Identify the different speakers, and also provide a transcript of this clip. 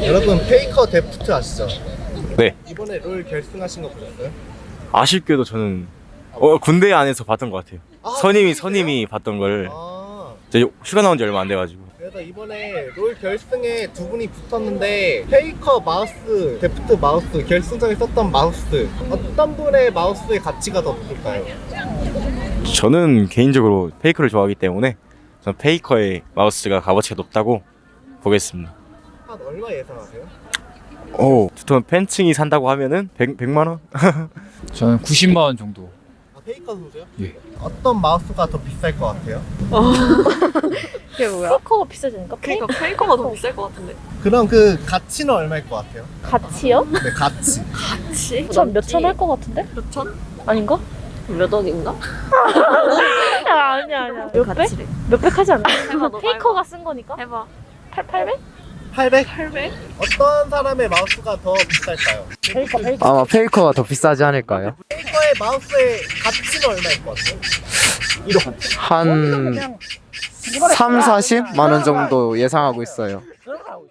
Speaker 1: 여러분 페이커 데프트 아시죠?
Speaker 2: 네.
Speaker 1: 이번에 롤 결승하신 거 보셨어요?
Speaker 2: 아쉽게도 저는 군대 안에서 봤던 것 같아요.
Speaker 1: 아,
Speaker 2: 선임이 봤던 걸.
Speaker 1: 아,
Speaker 2: 저 휴가 나온 지 얼마 안 돼가지고.
Speaker 1: 그래서 이번에 롤 결승에 두 분이 붙었는데 페이커 마우스, 데프트 마우스, 결승전에 썼던 마우스 어떤 분의 마우스의 가치가 더 높을까요?
Speaker 2: 저는 개인적으로 페이커를 좋아하기 때문에 저는 페이커의 마우스가 값어치가 높다고 보겠습니다.
Speaker 1: 한 얼마 예상하세요?
Speaker 2: 저 팬층이 산다고 하면은 100만 원?
Speaker 3: 저는 90만 원 정도.
Speaker 1: 아, 페이커 선수요?
Speaker 3: 예.
Speaker 1: 어떤 마우스가 더 비쌀 것 같아요?
Speaker 4: 그게 뭐야?
Speaker 5: 페이커가 비싸지 않을까?
Speaker 4: 그러니까 페이커가 더 비쌀 것 같은데.
Speaker 1: 그럼 그 가치는 얼마일 것 같아요?
Speaker 5: 가치요?
Speaker 1: 네, 가치.
Speaker 4: 그치?
Speaker 5: 몇천 할 것 같은데?
Speaker 4: 몇 천?
Speaker 5: 아닌가?
Speaker 4: 몇 억인가?
Speaker 5: 아니야. 몇백? 몇백 하지 않나?
Speaker 4: 해봐, 너
Speaker 5: 페이커가 쓴 거니까?
Speaker 4: 해봐.
Speaker 5: 800?
Speaker 1: 800?
Speaker 4: 800?
Speaker 1: 어떤 사람의 마우스가 더 비쌀까요?
Speaker 5: 페이커.
Speaker 6: 아마 페이커가 더 비싸지 않을까요?
Speaker 1: 페이커의 마우스의 가치는 얼마일 것 같아요?
Speaker 6: 한 3, 40만 원 정도 예상하고 있어요.